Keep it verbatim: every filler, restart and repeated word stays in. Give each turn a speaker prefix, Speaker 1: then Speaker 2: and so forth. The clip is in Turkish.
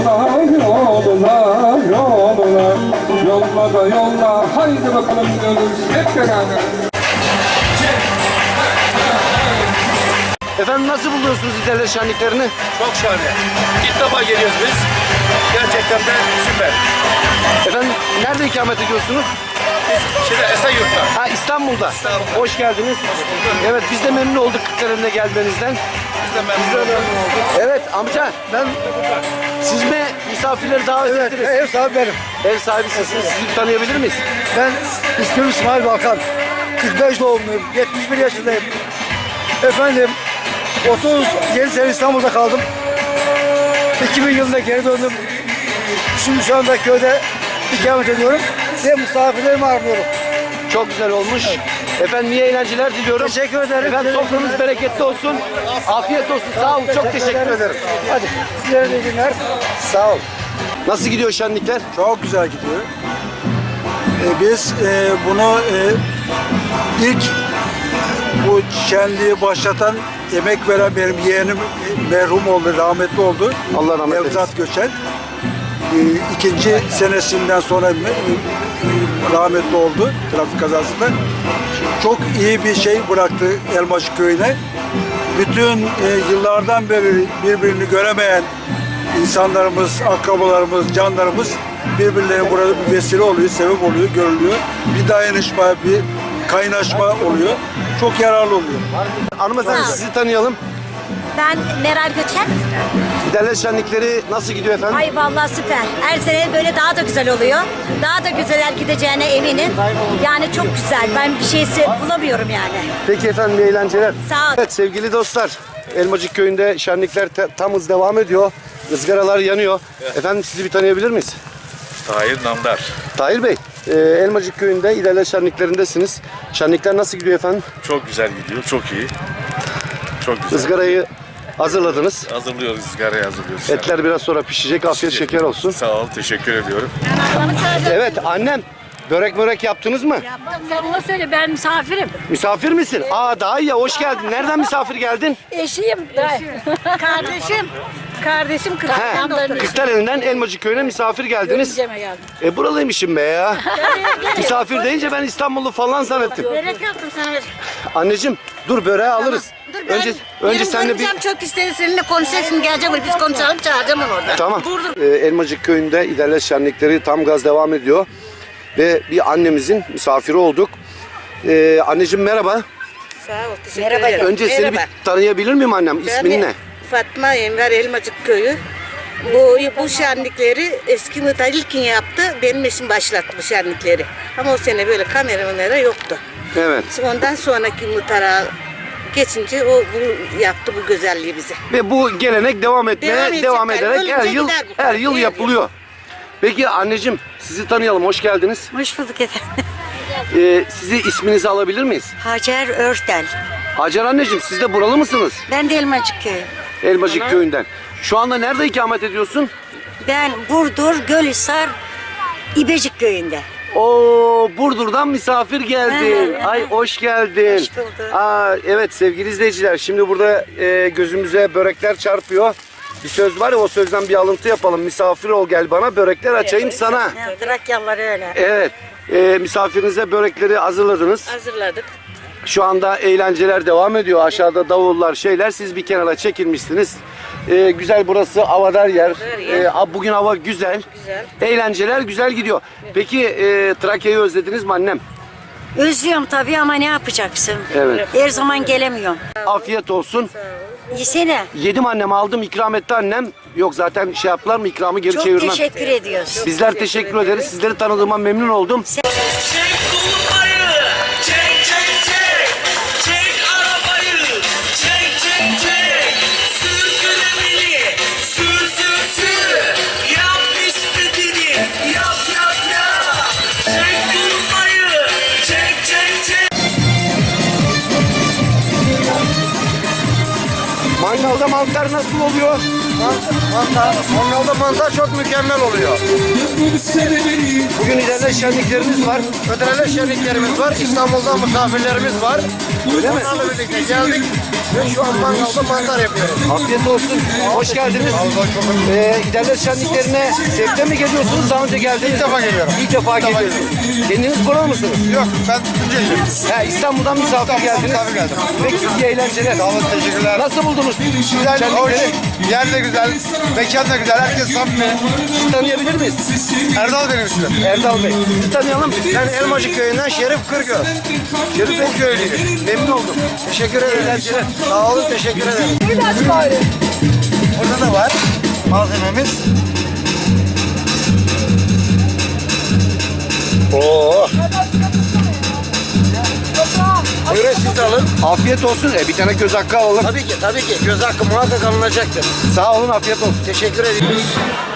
Speaker 1: Yolla yolla yolla yolla da yolla haydi bakalım diyoruz hep beraber.
Speaker 2: Efendim nasıl buluyorsunuz İtalya şenliklerini?
Speaker 3: Çok şahane. İlk defa geliyoruz biz. Gerçekten de süper.
Speaker 2: Efendim nerede ikamet ediyorsunuz?
Speaker 3: Şimdi Esenyurt'ta.
Speaker 2: Ha İstanbul'da.
Speaker 3: İstanbul'da.
Speaker 2: Hoş geldiniz. Evet biz de memnun olduk Kırklareli'ne gelmenizden.
Speaker 3: Biz de memnun olduk.
Speaker 2: Evet amca ben siz mi misafirleri davet ettiniz?
Speaker 4: Ev sahibi benim.
Speaker 2: Ev sahibi sizsiniz. Sizi tanıyabilir miyiz?
Speaker 4: Ben ismim İsmail Balkan. kırk beş doğumluyum. yetmiş bir yaşındayım. Efendim otuz yedi sene İstanbul'da kaldım. iki bin yılında geri döndüm. Şimdi şu anda köyde ikamet ediyorum ve misafirlerimi ağırlıyorum.
Speaker 2: Çok güzel olmuş. Efendim iyi eğlenceler diliyorum.
Speaker 4: Teşekkür ederim.
Speaker 2: Efendim sofranız bereketli olsun. Afiyet olsun. Sağ olun. Çok teşekkür ederim.
Speaker 4: Hadi sizlere de iyi günler.
Speaker 2: Sağ ol. Nasıl gidiyor şenlikler?
Speaker 4: Çok güzel gidiyor. Ee, biz e, bunu e, ilk bu şenliği başlatan, emek veren benim yeğenim merhum oldu, rahmetli oldu.
Speaker 2: Allah rahmet eylesin.
Speaker 4: Nevzat Göçen. Ee, ikinci senesinden sonra e, e, rahmetli oldu trafik kazasında. Çok iyi bir şey bıraktı Elmacık Köyü'ne. Bütün e, yıllardan beri birbirini göremeyen insanlarımız, akrabalarımız, canlarımız birbirlerine burada bir vesile oluyor, sebep oluyor, görülüyor. Bir dayanışma, bir kaynaşma oluyor. Çok yararlı oluyor.
Speaker 2: Hanımefendi sizi tanıyalım.
Speaker 5: Ben Meral Göçen.
Speaker 2: İtalya şenlikleri nasıl gidiyor efendim?
Speaker 5: Ay vallahi süper. Her sene böyle daha da güzel oluyor. Daha da güzeller gideceğine eminim. Yani çok güzel. Ben bir şeysi bulamıyorum yani.
Speaker 2: Peki efendim iyi eğlenceler.
Speaker 5: Sağ ol.
Speaker 2: Evet sevgili dostlar. Elmacık Köyü'nde şenlikler te- tam hız devam ediyor. Izgaralar yanıyor. Efendim sizi bir tanıyabilir miyiz?
Speaker 3: Tahir Namdar.
Speaker 2: Tahir Bey, e, Elmacık Köyü'nde İtalya şenliklerindesiniz. Şenlikler nasıl gidiyor efendim?
Speaker 3: Çok güzel gidiyor. Çok iyi. Çok güzel.
Speaker 2: Izgarayı hazırladınız.
Speaker 3: Hazırlıyoruz. Izgarayı hazırlıyoruz.
Speaker 2: Etler biraz sonra pişecek. Afiyet şeker olsun.
Speaker 3: Sağ ol. Teşekkür ediyorum.
Speaker 2: Evet annem. Börek börek yaptınız mı?
Speaker 6: Sen ona söyle, ben misafirim.
Speaker 2: Misafir misin? Aa daha iyi ya, hoş geldin. Nereden misafir geldin?
Speaker 6: Eşiyim. Kardeşim. Kardeşim
Speaker 2: He,
Speaker 6: Kırklareli'nden
Speaker 2: Kırklareli'nden Elmacık Köyü'ne misafir geldiniz.
Speaker 6: Görümceme geldim.
Speaker 2: E buralıymışım be ya. Misafir deyince ben İstanbullu falan zannettim.
Speaker 6: Börek yaptım sana.
Speaker 2: Anneciğim dur böreği alırız.
Speaker 7: Dur ben
Speaker 2: Önce önce
Speaker 7: benim
Speaker 2: seninle bir
Speaker 7: görümcem çok istedi, seninle konuşacak, şimdi gelecek buraya, biz konuşalım, çağıracağım onu orada.
Speaker 2: tamam.
Speaker 7: Burada.
Speaker 2: Ee, Elmacık Köyü'nde İderler şenlikleri tam gaz devam ediyor. Ve bir annemizin misafiri olduk. Ee, anneciğim merhaba.
Speaker 7: Sağ ol, teşekkür ederim.
Speaker 2: Önce seni bir tanıyabilir miyim annem? İsmin ne?
Speaker 7: Fatma Enver Elmacık Köyü. Bu, bu şenlikleri eski muhtar İlkin yaptı, benim eşim başlattı bu şenlikleri. Ama o sene böyle kameramanlara yoktu.
Speaker 2: Evet.
Speaker 7: Ondan sonraki muhtara geçince o bu yaptı bu güzelliği bize.
Speaker 2: Ve bu gelenek devam etmeye
Speaker 7: Devam
Speaker 2: devam,
Speaker 7: edecek.
Speaker 2: ederek
Speaker 7: Ölünce
Speaker 2: her yıl
Speaker 7: gider bu.
Speaker 2: her yıl
Speaker 7: Her
Speaker 2: yapılıyor. Peki anneciğim sizi tanıyalım. Hoş geldiniz.
Speaker 5: Hoş bulduk efendim.
Speaker 2: Ee, sizi isminizi alabilir miyiz?
Speaker 5: Hacer Örtel.
Speaker 2: Hacer anneciğim siz de buralı mısınız?
Speaker 5: Ben de Elmacık Köyü.
Speaker 2: Elmacık Köyü'nden. Şu anda nerede ikamet ediyorsun?
Speaker 5: Ben Burdur, Gölhisar, İbecik Köyü'nde.
Speaker 2: Oo, Burdur'dan misafir geldin.
Speaker 5: Ha,
Speaker 2: Ay hoş geldin.
Speaker 5: Hoş bulduk.
Speaker 2: Aa, evet sevgili izleyiciler şimdi burada e, gözümüze börekler çarpıyor. Bir söz var ya, o sözden bir alıntı yapalım. Misafir ol gel bana, börekler açayım sana.
Speaker 5: Ya, Trakyalılar öyle.
Speaker 2: Evet. E, misafirinize börekleri hazırladınız.
Speaker 7: Hazırladık.
Speaker 2: Şu anda eğlenceler devam ediyor. Aşağıda davullar şeyler. Siz bir kenara çekilmişsiniz. Ee, güzel burası havadar yer.
Speaker 7: yer.
Speaker 2: Ee, bugün hava güzel.
Speaker 7: Güzel.
Speaker 2: Eğlenceler güzel gidiyor. Peki e, Trakya'yı özlediniz mi annem?
Speaker 5: Özlüyorum tabii ama ne yapacaksın?
Speaker 2: Evet.
Speaker 5: Her zaman gelemiyorum.
Speaker 2: Afiyet olsun.
Speaker 5: Yesene.
Speaker 2: Yedim annem, aldım, ikram etti annem. Yok zaten şey yaptılar mı, ikramı geri
Speaker 5: Çok
Speaker 2: çevirmem.
Speaker 5: teşekkür ediyoruz.
Speaker 2: Bizler teşekkür ederiz. Sizleri tanıdığıma memnun oldum.
Speaker 8: Çek kulmayı, çek çek çek, çek arabayı, çek çek çek, sür süremeli, sür sür sür, yap istediğini, yap yap yap, çek kulmayı, çek çek çek.
Speaker 2: Mangalda mantar nasıl oluyor?
Speaker 4: Mantar, mangalda mantar çok mükemmel oluyor.
Speaker 2: Bugün ileride şenliklerimiz var.
Speaker 4: Ödrele şenliklerimiz var, İstanbul'dan misafirlerimiz var.
Speaker 2: Öyle mi?
Speaker 4: Onlarla birlikte geldik.
Speaker 9: Ve şu an mangalda mantar yapıyoruz.
Speaker 2: Afiyet olsun. Hoş geldiniz. Ee, İderler şenliklerine zevkle mi geliyorsunuz? Daha önce geldiniz.
Speaker 9: İlk defa geliyorum.
Speaker 2: İlk defa geliyorsunuz. Kendiniz buralı mısınız?
Speaker 9: Yok, ben Tunceli'yim.
Speaker 2: He, İstanbul'dan misafir geldiniz.
Speaker 9: misafir geldim.
Speaker 2: Peki iyi eğlenceler.
Speaker 9: Sağ olun, teşekkürler.
Speaker 2: Nasıl buldunuz?
Speaker 9: Güzel, hoş.
Speaker 2: şenlikleri?
Speaker 9: Yer de güzel, mekan da güzel, herkes samimi.
Speaker 2: Tanıyabilir miyiz?
Speaker 9: Erdal benim ismim.
Speaker 2: Erdal Bey. Sizi tanıyalım.
Speaker 9: Ben Elmacık köyünden Şerif Kırgöz. Şerif o köylüyüm.
Speaker 2: Memnun oldum.
Speaker 9: Teşekkür ederim.
Speaker 2: Eğlenceler.
Speaker 9: Sağ olun, teşekkür ederim. Burada da var malzememiz.
Speaker 2: Oo.
Speaker 9: Buyurun siz de alın.
Speaker 2: Afiyet olsun. E, bir tane göz hakkı alalım.
Speaker 9: Tabii ki, tabii ki. Göz hakkı muhakkak alınacaktır.
Speaker 2: Sağ olun, afiyet olsun.
Speaker 9: Teşekkür ederim.